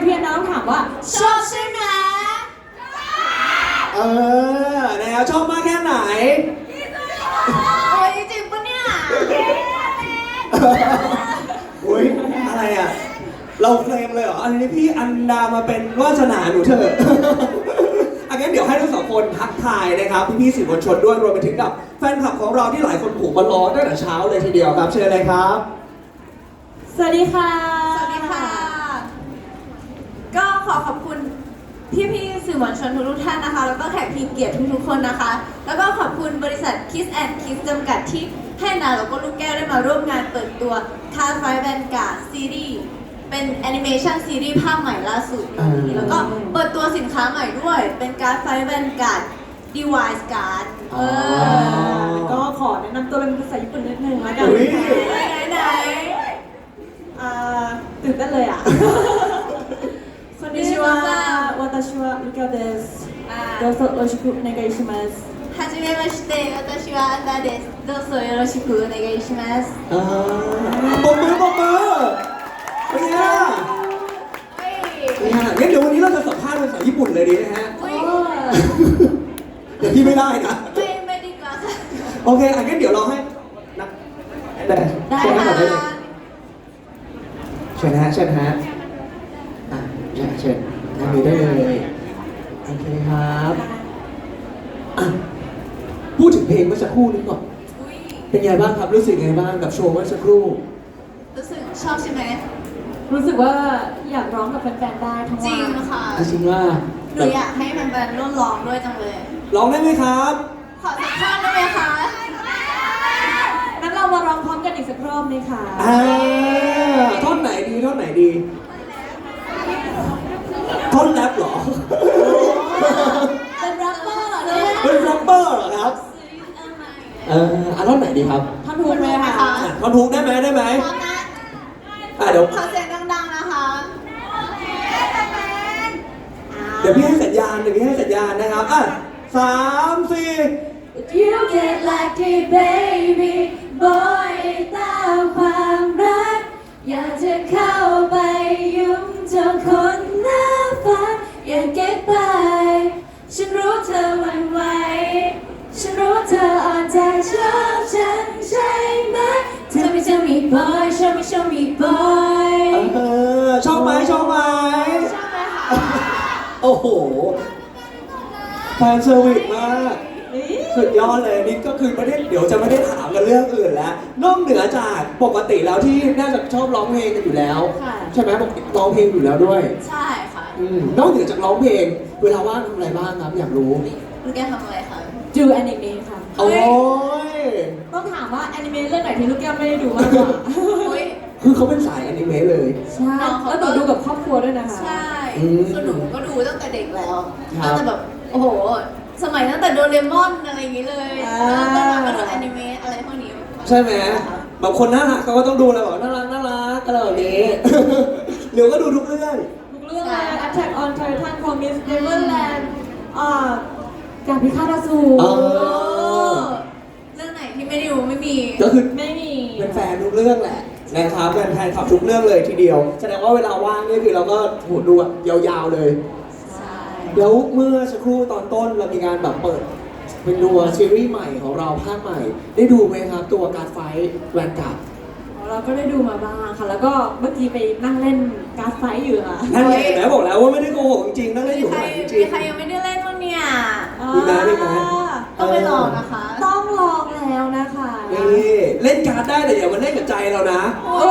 พี่แอนนาต้องถามว่าชอบใช่ไหมแล้วชอบมากแค่ไหนโอ้ยจริงปะเนี่ยอุ้ยอะไรอ่ะเราเคลมเลยเหรออันนี้พี่อันดามาเป็นวาสนาหนูเถอะอันนี้เดี๋ยวให้ทั้งสองคนทักทายนะครับพี่ๆสื่อมวลชนด้วยรวมไปถึงกับแฟนคลับของเราที่หลายคนผูกมารอตั้งแต่เช้าเลยทีเดียวครับเชิญเลยครับสวัสดีค่ะสวัสดีค่ะก็ขอบคุณพี่ๆสื่อมวลชนทุกท่านนะคะแล้วก็แขกทีมเกียรติทุกๆคนนะคะแล้วก็ขอบคุณบริษัท Kiss and Kiss จำกัดที่ให้นาแล้วก็ลูกแก้วได้มาร่วมงานเปิดตัว Car Fight Vanguard ซีรีส์เป็นแอนิเมชันซีรีส์ภาคใหม่ล่าสุดนี้แล้วก็เปิดตัวสินค้าใหม่ด้วยเป็น Car Fight Vanguard Device Card ก็ขอแนะนำตัวเป็นภาษาญี่ปุ่นนิดนึงแล้วกันไหนตื่นเต้นเลยอ่ะこんにちは、私はルカです。どうぞよろしくお願いします。 はじめまして、私はアンダです。どうぞよろしくお願いします。 ปมมือเป็นไงล่ะงั้นเดี๋ยววันนี้เราจะสัมภาษณ์ภาษาญี่ปุ่นเลยดีนะฮะเดี๋ยวพี่ไม่ได้นะไม่ดีกว่าค่ะโอเคงั้นเดี๋ยวเราให้นะได้ค่ะเชิญฮะเชิญนั่งนี้ได้เลยโอเคครับพูดถึงเพลงเมื่อสักครู่นี้ก่อนเป็นไงบ้างครับรู้สึกไงบ้างกับโชว์เมื่อสักครู่รู้สึกชอบใช่ไหมรู้สึกว่าอยากร้องกับแฟนๆได้ทั้งวันจริงค่ะจริงว่าหนูอยากให้แฟนๆร่วมร้องด้วยจังเลยร้องได้ไหมครับขอสักท่อนได้ไหมคะงั้นเรามาร้องพร้อมกันอีกสักรอบไหมคะท่อนไหนดีท่อนไหนดีท่อนแรปเหรอเป็นแรปเปอร์เหรอเป็นแรปเปอร์เหรอครับท่อนไหนดีครับท่อนฮุกไหมคะท่อนฮุกได้ไหมพร้อมนะเดี๋ยวขอเสียงดังๆนะคะเดี๋ยวพี่ให้สัญญาณนะครับ3-4 You get lucky baby boy ตามความรักอยากจะเข้าไปยุ่งเจ้าคนหน้าฟ้าอย่าเก็บไปฉันรู้เธอหวั่นไหวฉันรู้เธออ่อนใจชอบฉันใช่ไหมTell me boy show me boy ชอบไหมค่ะโอ้โหแฟนเซอร์วิสมากสุดยอดเลยนี่ก็คือเดี๋ยวจะไม่ได้ถามกันเรื่องอื่นแล้วนอกเหนือจากปกติแล้วที่น่าจะชอบร้องเพลงกันอยู่แล้วใช่ไหมปกติร้องเพลงอยู่แล้วด้วยใช่ค่ะนอกเหนือจากร้องเพลงเวลาว่างทำอะไรบ้างครับอยากรู้ลูกแกทำอะไรคะดูแอนิเมะค่ะโอ้ยต้องถามว่าแอนิเมะเรื่องไหนที่ลูกแก้วไม่ได้ดูบ้างคือเขาเป็นสายแอนิเมะเลยใช่แล้วหนูดูกับครอบครัวด้วยนะคะใช่คือหนูก็ดูตั้งแต่เด็กแล้วตั้งแต่แบบโอ้โหสมัยตั้งแต่โดเรมอนอะไรอย่างงี้เลยแล้วก็มาดูแอนิเมะอะไรพวกนี้ใช่ไหมบางคนน่ารักเขาก็ต้องดูอะไรแบบน่ารักอะไรแบบนี้เดี๋ยวก็ดูทุกเรื่องเลย Attack on Titan Promise Neverland ดาบพิฆาตอสูรเรื่องไหนที่ไม่ได้ดูไม่มีก็คือไม่มีเป็นแฟนทุกเรื่องแหละนะครับเป็นแฟนขับทุกเรื่องเลยทีเดียวแสดงว่าเวลาว่างนี่คือเราก็ดูยาวๆเลยแล้วเมื่อสักครู่ตอนต้นเรามีการแบบเปิดเป็นตัวซีรีส์ใหม่ของเราภาคใหม่ได้ดูไหมครับตัวการไฟแวนการ์ดเราก็ได้ดูมาบ้างค่ะแล้วก็เมื่อกี้ไปนั่งเล่นการไฟอยู่ค่ะนั่นไงแม่บอกแล้วว่าไม่ได้โกหกจริงนั่งเล่นอยู่ข้างหลังจริงมีใครยังไม่ได้เล่นบ้างเนี่ยมีไหมต้องไปลองนะคะต้องลองแล้วนะคะนี่เล่นการ์ดได้แต่อย่ามาเล่นกับใจเรานะ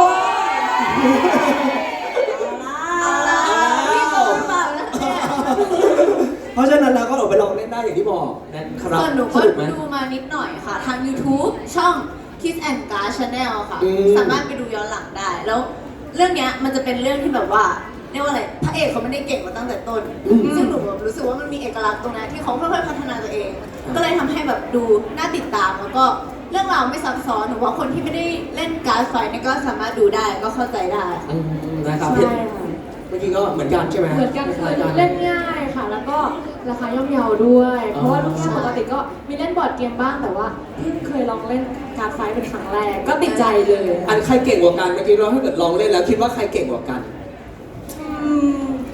เพราะฉะนั้นเราก็ออกไปลองเล่นได้อย่างที่บอกนะครับส่วนหนูก็ดูมานิดหน่อยค่ะทาง YouTube ช่อง Kiss and Card Channel ค่ะสามารถไปดูย้อนหลังได้แล้วเรื่องนี้มันจะเป็นเรื่องที่แบบว่าเรียกว่าอะไรพระเอกเขาไม่ได้เก่งมาตั้งแต่ต้นซึ่งหนูรู้สึกว่ามันมีเอกลักษณ์ตรงนั้นที่เขาค่อยๆพัฒนาตัวเองก็เลยทำให้แบบดูน่าติดตามแล้วก็เรื่องราวไม่ซับซ้อนหนูว่าคนที่ไม่ได้เล่นการ์ดไฟเนี่ยก็สามารถดูได้ก็เข้าใจได้นะครับเมื่อกี้ก็เหมือนกันใช่ไหมเหมือนกันคือเล่นง่ายค่ะแล้วก็ราคาย่อมเยาด้วยเพราะว่าลูกแก้วปกติก็มีเล่นบอร์ดเกมบ้างแต่ว่าเพิ่งเคยลองเล่นการ์ดไฟเป็นครั้งแรกก็ติดใจเลยอันใครเก่งกว่ากันเมื่อกี้เราถ้าเกิดลองเล่นแล้วคิดว่าใครเก่งกว่ากัน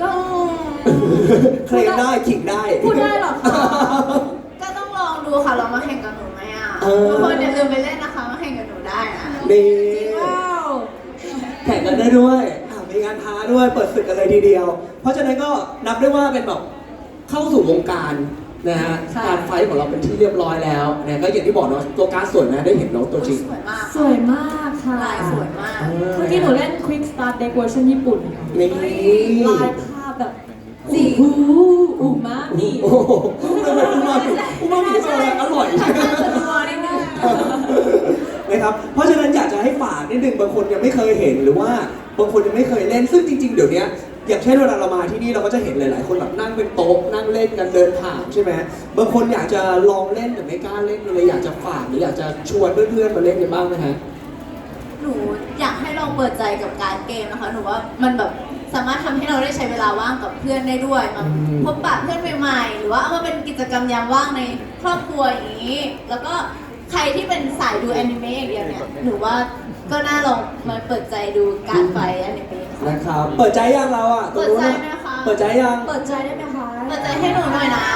เคลมได้ขิงได้พูดได้เหรอคะก็ต้องลองดูค่ะลองมาแข่งกับหนูไหมอ่ะเออทุกคนอย่าลืมไปเล่นนะคะมาแข่งกับหนูได้นะนี่ว้าวแข่งกันได้ด้วยมีงานท้าด้วยเปิดศึกกันเลยทีเดียว เพราะฉะนั้นก็นับได้ว่าเป็นแบบเข้าสู่วงการนะฮะการไฟท์ของเราเป็นที่เรียบร้อยแล้วนะก็อย่างที่บอกเนาะตัวการ์ดสวยนะได้เห็นน้องตัวจริงสวยมากสวยมากค่ะลายสวยมากเมื่อกี้หนูเล่น Quick Start Deck เวอร์ชันญี่ปุ่นค่ะนี่ลายภาพแบบสีอูมามิโอ้โหทำไมอุมามิเป็นอะไรอร่อยทำหน้าจะรัวนิดนึงนะครับ เพราะฉะนั้นอยากจะให้ฝากนิดนึงบางคนยังไม่เคยเห็นหรือว่าบางคนยังไม่เคยเล่นซึ่งจริง ๆ เดี๋ยวนี้อย่างเช่นเวลาเรามาที่นี่เราก็จะเห็นหลาย ๆ คนแบบนั่งเป็นโต๊ะนั่งเล่นกันเดินผ่านใช่ไหมบางคนอยากจะลองเล่นแต่ไม่กล้าเล่นเลยอยากจะฝากหรืออยากจะชวนเพื่อนๆมาเล่นกันบ้างไหมฮะหนูอยากให้ลองเปิดใจกับการเกมนะคะ หนูว่ามันแบบสามารถทำให้เราได้ใช้เวลาว่างกับเพื่อนได้ด้วยมาพบปะเพื่อนใหม่ๆ หรือว่าเอามาเป็นกิจกรรมยามว่างในครอบครัวอย่างนี้ แล้วก็ใครที่เป็นสายดูแอนิเมะอย่างเดียวเนี่ย หนูว่าก็น่าลองมาเปิดใจดูการไฟแอนิเมะค่ะนะครับ เปิดใจยังเราอ่ะเปิดใจไหมคะเปิดใจยังเปิดใจได้ไหมคะเปิดใจให้หนูหน่อยนะ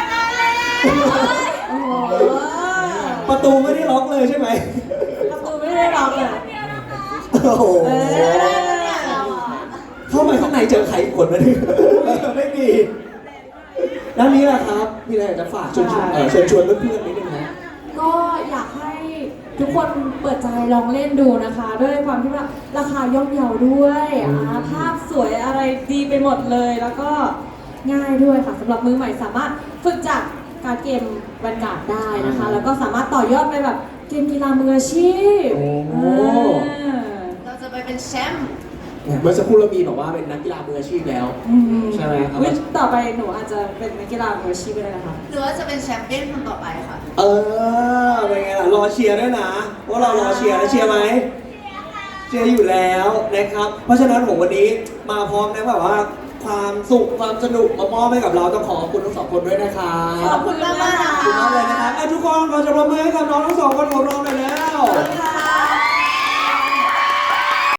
โอ้โหประตูไม่ได้ล็อกเลยใช่ไหมประตูไม่ได้ล็อกอ่ะโอ้โหเออเนี่ยเราอะเข้าไปข้างในเจอใครอีกคนไหมเนี่ยไม่มีด้านนี้แหละครับมีอะไรอยากจะฝากเชิญชวนเพื่อนๆนิดนึงนะก็อยากให้ทุกคนเปิดใจลองเล่นดูนะคะ ด้วยความที่ว่าราคาย่อมเยาด้วยภาพสวยอะไรดีไปหมดเลย แล้วก็ง่ายด้วยค่ะสำหรับมือใหม่สามารถฝึกจากการเกมแวนการ์ดได้นะคะ แล้วก็สามารถต่อยอดไปแบบเกมกีฬามืออาชีพโอ้เราจะไปเป็นแชมป์เมื่อสักครู่เรามีบอกว่าเป็นนักกีฬามืออาชีพแล้ว ใช่ไหมครับอุ๊ยต่อไปหนูอาจจะเป็นนักกีฬามืออาชีพก็ได้นะคะหรือว่าจะเป็นแชมเปี้ยนคนต่อไปค่ะเออเป็นไงล่ะรอเชียร์ด้วยนะว่าเรารอเชียร์แล้วเชียร์ไหมเชียร์อยู่แล้วนะครับ เพราะฉะนั้นผมวันนี้มาพร้อมนะแบบว่าความสุขความสนุกมามอบให้กับเราต้องขอบคุณทั้งสองคนด้วยนะครับขอบคุณมากๆนะขอบคุณมากเลยนะครับทุกคนขอจะปรบมือให้กับน้องทั้งสองคนของเราหน่อยแล้วขอบคุณค่ะ